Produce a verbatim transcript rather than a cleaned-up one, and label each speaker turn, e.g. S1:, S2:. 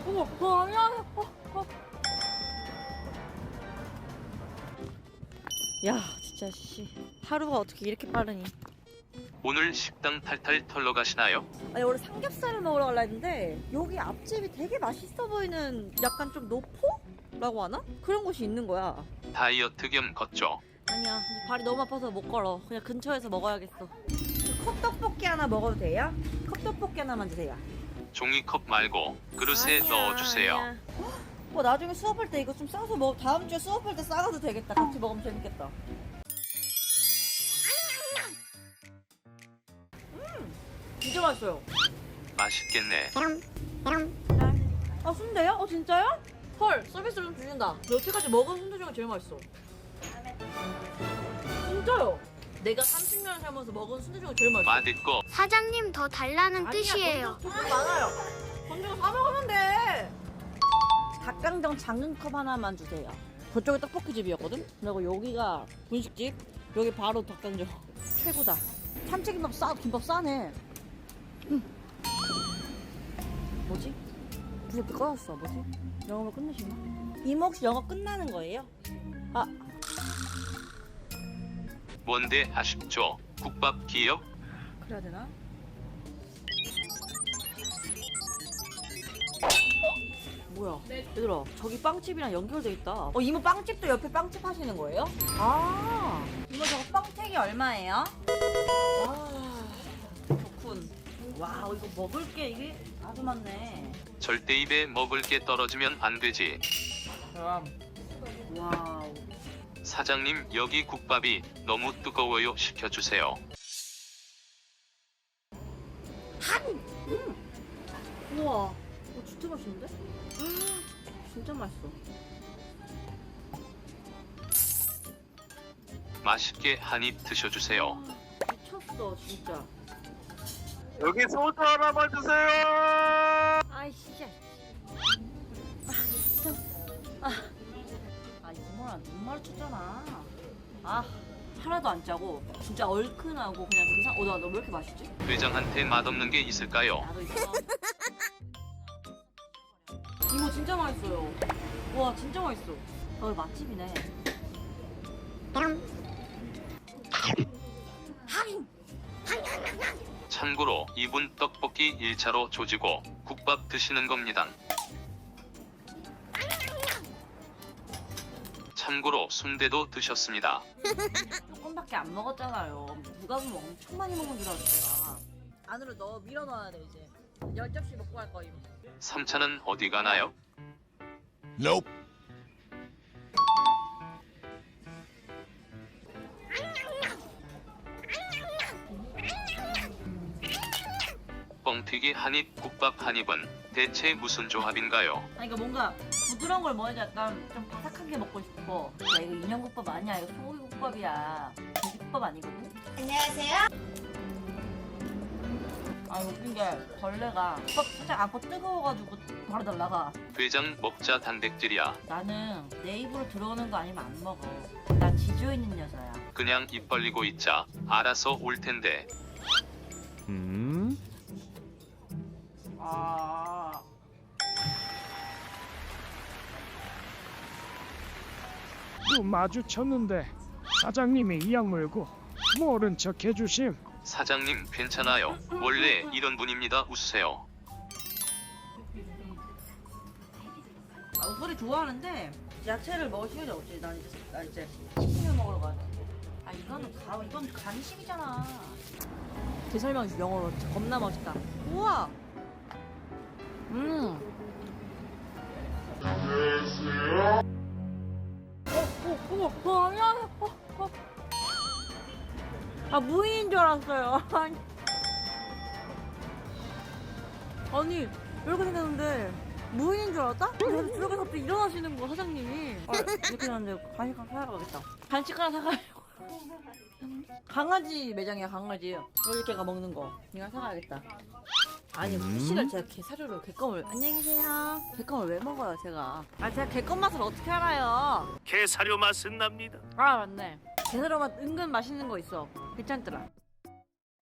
S1: 어머, 어, 안녕하세요. 어, 어. 야, 진짜 씨. 하루가 어떻게 이렇게 빠르니?
S2: 오늘 식당 탈탈 털러 가시나요?
S1: 아니, 원래 삼겹살을 먹으러 가려 했는데 여기 앞집이 되게 맛있어 보이는 약간 좀 노포라고 하나? 그런 곳이 있는 거야.
S2: 다이어트 겸 걷죠.
S1: 아니야, 발이 너무 아파서 못 걸어. 그냥 근처에서 먹어야겠어. 컵떡볶이 하나 먹어도 돼요? 컵떡볶이 하나만 주세요.
S2: 종이컵 말고 그릇에
S1: 아니야,
S2: 넣어주세요.
S1: 아니야. 뭐 나중에 수업할 때 이거 좀 싸서 먹. 다음 주에 수업할 때 싸가도 되겠다. 같이 먹으면 재밌겠다. 음, 진짜 맛있어요.
S2: 맛있겠네.
S1: 아, 순대요? 어, 진짜요? 헐, 서비스로 좀 주신다. 너 여태까지 먹은 순대 중에 제일 맛있어. 진짜요? 내가 삼십 년을 살면서 먹은 순대 중에 제일 맛있어.
S2: 맛있고
S3: 사장님 더 달라는
S1: 아니야,
S3: 뜻이에요.
S1: 돈 많아요. 돈 주고 사 먹으면 돼. 닭강정 작은 컵 하나만 주세요. 저쪽에 떡볶이집이었거든? 그리고 여기가 분식집. 여기 바로 닭강정. 최고다. 참치김밥 싸, 김밥 싸네. 음. 뭐지? 무섭게 꺼졌어. 뭐지? 영어로 끝내시나? 이모 혹시 영어 끝나는 거예요? 아,
S2: 뭔데 아쉽죠? 국밥 기억?
S1: 그래야 되나? 뭐야? 얘들아, 저기 빵집이랑 연결돼 있다. 어, 이모 빵집도 옆에 빵집 하시는 거예요? 아, 이모 저거 빵택이 얼마예요? 아, 좋군. 와우, 이거 먹을 게 이게 아주 많네.
S2: 절대 입에 먹을 게 떨어지면 안 되지.
S1: 그럼. 와우.
S2: 사장님 여기 국밥이 너무 뜨거워요. 식혀주세요.
S1: 우와, 이거 진짜 맛있는데? 진짜 맛있어.
S2: 맛있게 한 입 드셔주세요.
S1: 아, 미쳤어, 진짜.
S2: 여기 소주 하나만 주세요.
S1: 아이씨. 아, 진짜. 아, 아 이모랑 눈 마주쳤잖아. 아, 하나도 안 짜고 진짜 얼큰하고 그냥 그상. 어, 나 너 왜 이렇게 맛있지?
S2: 회장한테 맛없는 게 있을까요?
S1: 나도 있어. 이모 진짜 맛있어요. 와, 진짜 맛있어. 어, 맛집이네.
S2: 참고로 이분 떡볶이 일 차로 조지고 국밥 드시는 겁니다. 참고로 순대도 드셨습니다.
S1: 조금밖에 안 먹었잖아요. 누가 보면 엄청 많이 먹은 줄 알았어. 안으로 넣어 밀어 넣어야 돼 이제. 열 접시 먹고 갈 거임.
S2: 삼 차는 어디 가나요?
S4: Nope.
S2: 뻥튀기 한 입, 국밥 한 입은 대체 무슨 조합인가요?
S1: 아니, 그러니까 뭔가 부드러운 걸 먹어야지 약간 좀 바삭한 게 먹고 싶어. 야, 이거 인형국밥 아니야. 이거 소고기국밥이야. 돼지국밥 아니거든?
S3: 안녕하세요.
S1: 아, 이거 웃긴 게 벌레가 국밥 살짝 안고 뜨거워가지고 바로 날라가.
S2: 회장 먹자 단백질이야.
S1: 나는 내 입으로 들어오는 거 아니면 안 먹어. 난 지조 있는 여자야.
S2: 그냥 입 벌리고 있자. 알아서 올 텐데.
S4: 음?
S1: 아.
S5: 또 마주쳤는데 사장님이 이악 물고 모른 척 해주심.
S2: 사장님 괜찮아요. 원래 이런 분입니다. 웃으세요.
S1: 아, 소리 좋아하는데 야채를 먹을 시간이 없지. 난 이제 나 이제 치킨을 먹으러 가야 돼. 아, 이거는 가 이건 간식이잖아. 제 설명 영어로 겁나 멋있다. 우와. 음. 안녕하세요. 어, 어, 어, 어, 안녕하세요. 어, 어. 아, 무인인 줄 알았어요. 아니, 아니 이렇게 생겼는데 무인인 줄 알았다? 그래서 저렇게 갑자기 일어나시는 거 사장님이. 아, 이렇게 했는데 간식 하나 사러 가겠다. 간식 하나 사가려고. 강아지 매장이야, 강아지. 여기 걔가 먹는 거. 이거 사가야겠다. 아니, 후식을 제가 게사료로 개껌을. 안녕히 계세요. 개껌을 왜 먹어요, 제가? 아, 제가 개껌 맛을 어떻게 알아요?
S6: 게사료 맛은 납니다.
S1: 아, 맞네. 게사료 맛 은근 맛있는 거 있어. 괜찮더라.